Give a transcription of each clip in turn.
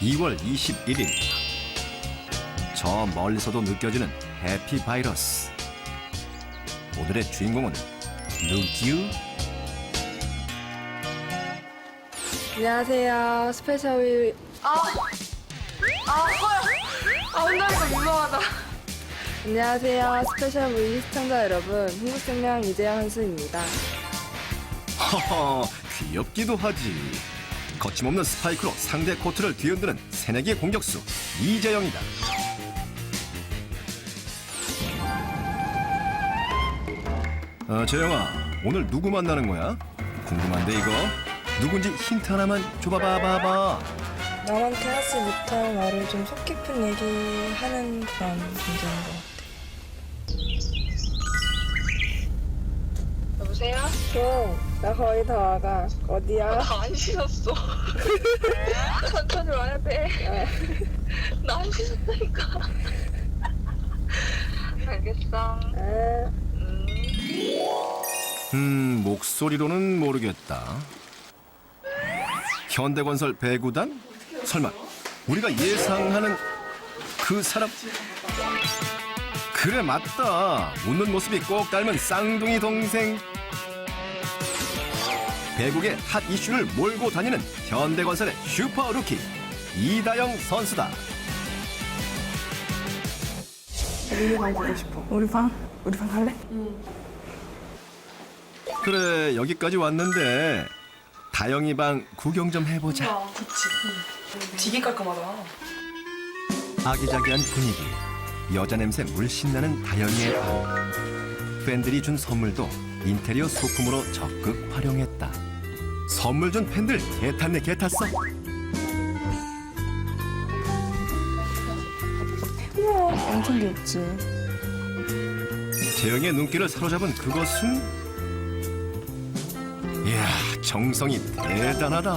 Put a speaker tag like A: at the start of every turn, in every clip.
A: 2월 21일. 저 멀리서도 느껴지는 해피 바이러스. 오늘의 주인공은 누구유?
B: 안녕하세요. 스페셜 혼자서 민망하다. 안녕하세요. 스페셜 V 시청자 여러분. 흥국생명 이재영 선수입니다.
A: 허허, 귀엽기도 하지. 거침없는 스파이크로 상대 코트를 뒤흔드는 새내기 공격수 이재영이다. 재영아, 오늘 누구 만나는 거야? 궁금한데 이거? 누군지 힌트 하나만 줘봐봐봐.
B: 나만 캐하지 못할 말을 좀 속 깊은 얘기하는 그런 존재인 것 같아. 여보세요? 나 거의 다 와가. 어디야?
C: 나 안 씻었어. 천천히 와야 돼. 나 안 씻었다니까. 알겠어.
A: 목소리로는 모르겠다. 현대건설 배구단? 설마 우리가 예상하는 그 사람? 그래, 맞다. 웃는 모습이 꼭 닮은 쌍둥이 동생. 배구의 핫 이슈를 몰고 다니는 현대건설의 슈퍼 루키 이다영 선수다.
B: 우리 방 보고 싶어. 우리 방 갈래?
A: 그래, 여기까지 왔는데 다영이 방 구경 좀 해보자.
B: 되게 깔끔하다.
A: 아기자기한 분위기, 여자 냄새 물씬 나는 다영이의 방. 팬들이 준 선물도 인테리어 소품으로 적극 활용했다. 선물 준 팬들 개탔네, 개탔어.
B: 우와, 엄청 귀엽지.
A: 재영의 눈길을 사로잡은 그것은, 이야, 정성이 대단하다.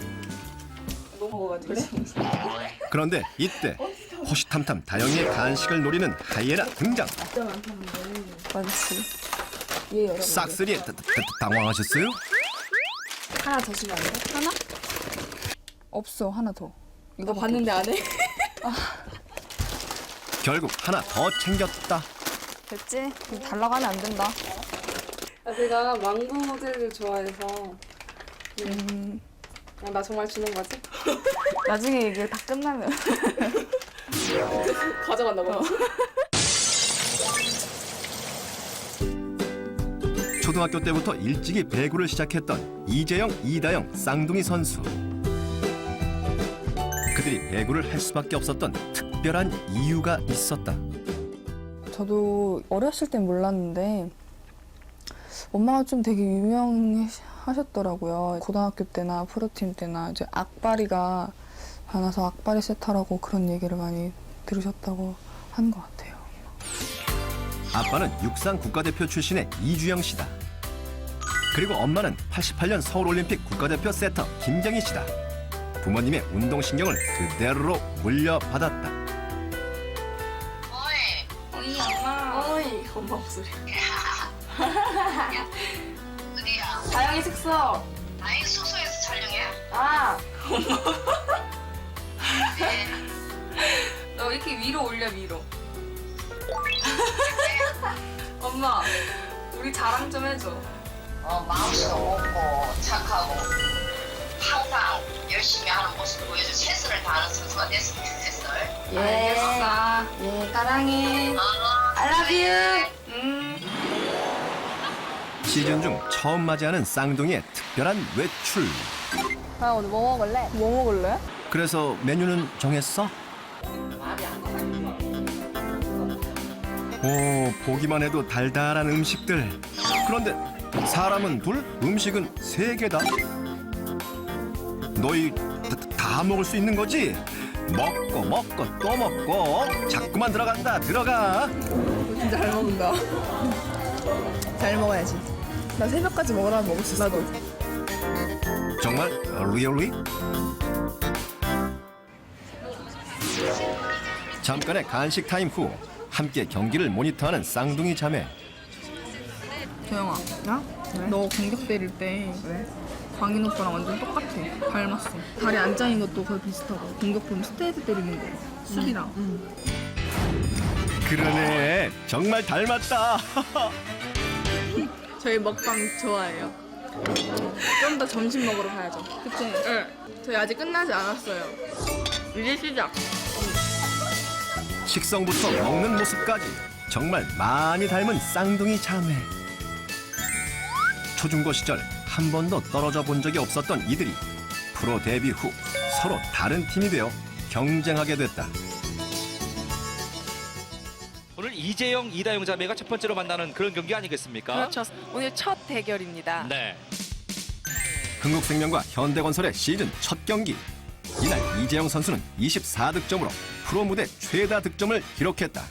B: 그래?
A: 그런데 이때 호시탐탐 다영이의 간식을 노리는 하이에나 등장.
B: 많지. 얘 여러
A: 싹쓸이에 당황하셨어요?
B: 하나 더 주면 안 돼? 하나?
D: 없어, 하나 더.
B: 이거 봤는데 안 해?
A: 결국 하나 더 챙겼다.
D: 됐지? 달라고 하면 안 된다.
B: 제가 망고 모델을 좋아해서 나 정말 주는 거지?
D: 나중에 이게 다 끝나면.
B: 가져간다 봐.
A: 초등학교 때부터 일찍이 배구를 시작했던 이재영, 이다영 쌍둥이 선수. 그들이 배구를 할 수밖에 없었던 특별한 이유가 있었다.
D: 저도 어렸을 땐 몰랐는데 엄마가 좀 되게 유명하셨더라고요. 고등학교 때나 프로팀 때나 이제 악바리가 많아서 악바리 세타라고 그런 얘기를 많이 들으셨다고 하는 것 같아요.
A: 아빠는 육상 국가대표 출신의 이주영 씨다. 그리고 엄마는 88년 서울올림픽 국가대표 세터 김경희 씨다. 부모님의 운동신경을 그대로 물려받았다.
C: 어이 엄마.
B: 어이, 엄마 목소리.
C: 어디야?
B: 다영이 숙소.
C: 아이 숙소에서 촬영해?
B: 아,
C: 네.
B: 너 이렇게 위로 올려, 위로. 엄마, 우리 자랑 좀 해줘.
C: 마음씨도 높고 착하고 항상 열심히 하는 모습 보여줘. 최선을 다하는 선수가 됐으면 좋겠어.
B: 알겠어.
D: 예, 사랑해.
C: I love you.
A: 시즌 중 처음 맞이하는 쌍둥이의 특별한 외출.
D: 아, 오늘 뭐 먹을래? 뭐 먹을래?
A: 그래서 메뉴는 정했어? 오, 보기만 해도 달달한 음식들. 그런데 사람은 둘, 음식은 세 개다. 너희 다 먹을 수 있는 거지? 먹고 또 먹고 자꾸만 들어가.
B: 진짜 잘 먹는다. 잘 먹어야지. 나 새벽까지 먹으라면 먹을 수 있어. 나도.
A: 정말 리얼리? 잠깐의 간식 타임 후 함께 경기를 모니터하는 쌍둥이 자매.
E: 조영아, 너 공격 때릴 때
B: 광인 오빠랑 완전 똑같아. 닮았어. 다리 안 짜인 것도 거의 비슷하고. 공격 보면 스트레이트 때리는 거. 수비랑.
A: 그러네. 정말 닮았다.
B: 저희 먹방 좋아해요. 좀 더 점심 먹으러 가야죠. 그치? 네. 저희 아직 끝나지 않았어요. 이제 시작.
A: 식성부터 먹는 모습까지 정말 많이 닮은 쌍둥이 자매. 초중고 시절 한 번도 떨어져 본 적이 없었던 이들이 프로 데뷔 후 서로 다른 팀이 되어 경쟁하게 됐다.
E: 오늘 이재영, 이다영 자매가 첫 번째로 만나는 그런 경기 아니겠습니까?
F: 그렇죠. 오늘 첫 대결입니다.
E: 네.
A: 흥국생명과 현대건설의 시즌 첫 경기. 이날 이재영 선수는 24득점으로 프로 무대 최다 득점을 기록했다.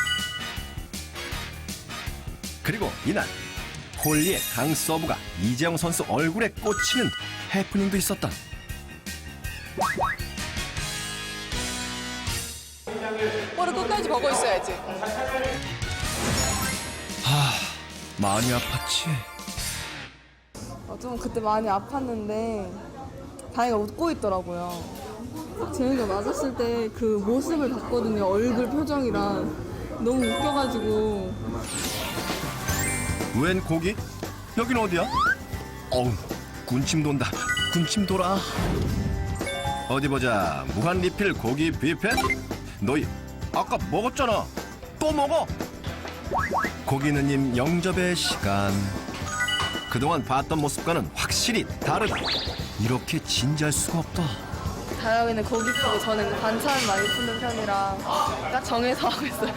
A: 그리고 이날 홀리의 강 서브가 이재영 선수 얼굴에 꽂히는 해프닝도 있었다.
F: 볼을 끝까지 보고 있어야지.
A: 많이 아팠지.
D: 좀 그때 많이 아팠는데 다행히 웃고 있더라고요. 재영이가 맞았을 때 그 모습을 봤거든요. 얼굴 표정이랑 너무 웃겨가지고.
A: 웬 고기? 여긴 어디야? 어우, 군침 돈다. 군침 돌아. 어디 보자. 무한 리필 고기 뷔페? 너희 아까 먹었잖아. 또 먹어. 고기느님 영접의 시간. 그동안 봤던 모습과는 확실히 다르다. 이렇게 진지할 수가 없다.
D: 다영이는 고기 푸고 저는 반찬 많이 푸는 편이라 딱 정해서 하고 있어요.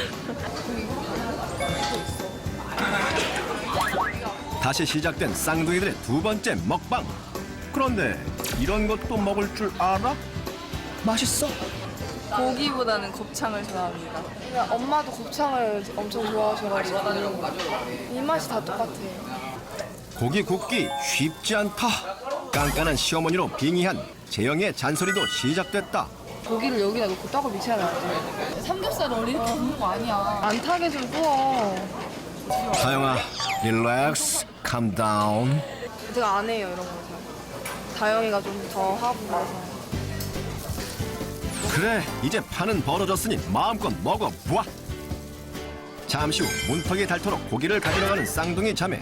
A: 다시 시작된 쌍둥이들의 두 번째 먹방. 그런데 이런 것도 먹을 줄 알아? 맛있어?
D: 고기보다는 곱창을 좋아합니다. 엄마도 곱창을 엄청 좋아하셔가지고 입맛이 다 똑같아요.
A: 고기 굽기 쉽지 않다. 깐깐한 시어머니로 빙의한 재영의 잔소리도 시작됐다.
D: 고기를 여기다 놓고 떡을 미쳐야 돼. 삼겹살을 원래 이렇게 굽는 거 아니야. 안 타게 좀 구워.
A: 다영아, 릴렉스, 캄 다운.
D: 제가 안 해요 이런 거. 다영이가 좀 더 하고 그래서.
A: 그래, 이제 판은 벌어졌으니 마음껏 먹어보아. 잠시 후 문턱이 닳도록 고기를 가지러 가는 쌍둥이 자매.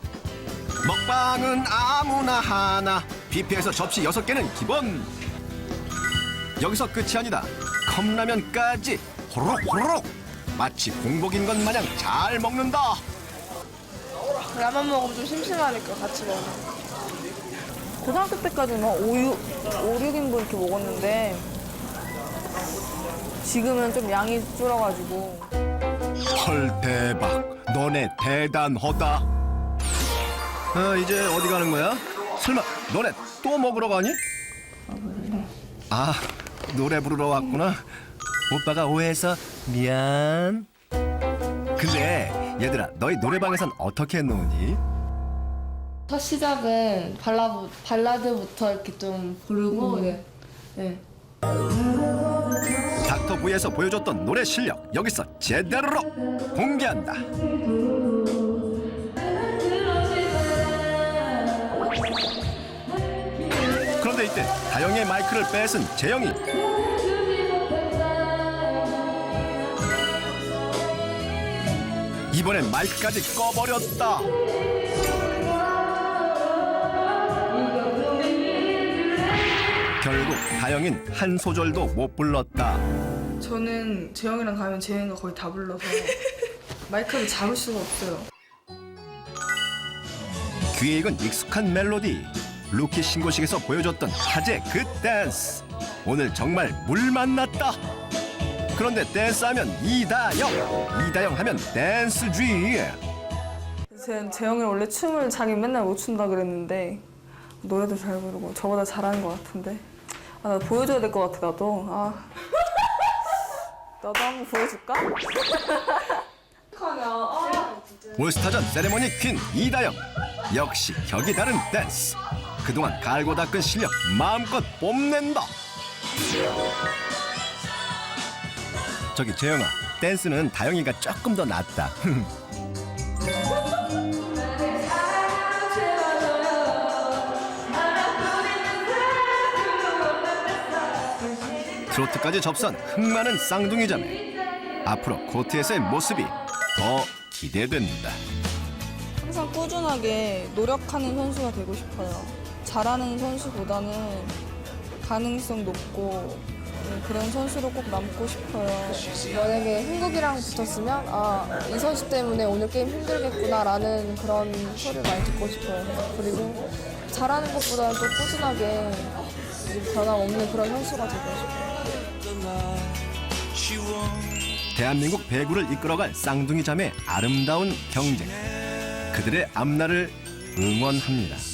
A: 먹방은 아무나 하나. 뷔페에서 접시 6개는 기본. 여기서 끝이 아니다. 컵라면까지 호로록 호로록. 마치 공복인 것 마냥 잘 먹는다.
D: 라면 먹으면 좀 심심하니까 같이 먹어. 고등학교 때까지는 5, 6인분 이렇게 먹었는데 지금은 좀 양이 줄어가지고.
A: 헐 대박. 너네 대단하다. 이제 어디 가는 거야? 설마 너네 또 먹으러 가니? 아, 노래 부르러 왔구나. 오빠가 오해해서 미안. 근데 얘들아, 너희 노래방에선 어떻게 노니?
G: 첫 시작은 발라드부터 이렇게 좀 부르고 네.
A: 닥터 V에서 보여줬던 노래 실력 여기서 제대로 공개한다. 그런데 이때 다영의 마이크를 뺏은 재영이. 이번엔 마이크까지 꺼버렸다. 결국 다영인 한 소절도 못 불렀다.
B: 저는 재영이랑 가면 재영이가 거의 다 불러서 마이크를 잡을 수가 없어요.
A: 귀에 익은 익숙한 멜로디. 루키 신고식에서 보여줬던 화제 그 댄스. 오늘 정말 물 만났다. 그런데 댄스하면 이다영 하면 댄스쥐.
D: 재영이는 원래 춤을 자기 맨날 못 춘다 그랬는데 노래도 잘 부르고 저보다 잘하는 것 같은데. 나 보여줘야 될 것 같아 나도. 나도 한번 보여줄까?
A: 올스타전 세레머니 퀸 이다영. 역시 격이 다른 댄스. 그동안 갈고 닦은 실력 마음껏 뽐낸다. 저기 재영아, 댄스는 다영이가 조금 더 낫다. 트로트까지 접선 흥많은 쌍둥이 자매. 앞으로 코트에서의 모습이 더 기대된다.
D: 항상 꾸준하게 노력하는 선수가 되고 싶어요. 잘하는 선수보다는 가능성 높고 그런 선수로 꼭 남고 싶어요.
G: 만약에 한국이랑 붙었으면 이 선수 때문에 오늘 게임 힘들겠구나라는 그런 소리를 많이 듣고 싶어요. 그리고 잘하는 것보다는 또 꾸준하게 변함없는 그런 선수가 되고 싶어요.
A: 대한민국 배구를 이끌어갈 쌍둥이 자매의 아름다운 경쟁. 그들의 앞날을 응원합니다.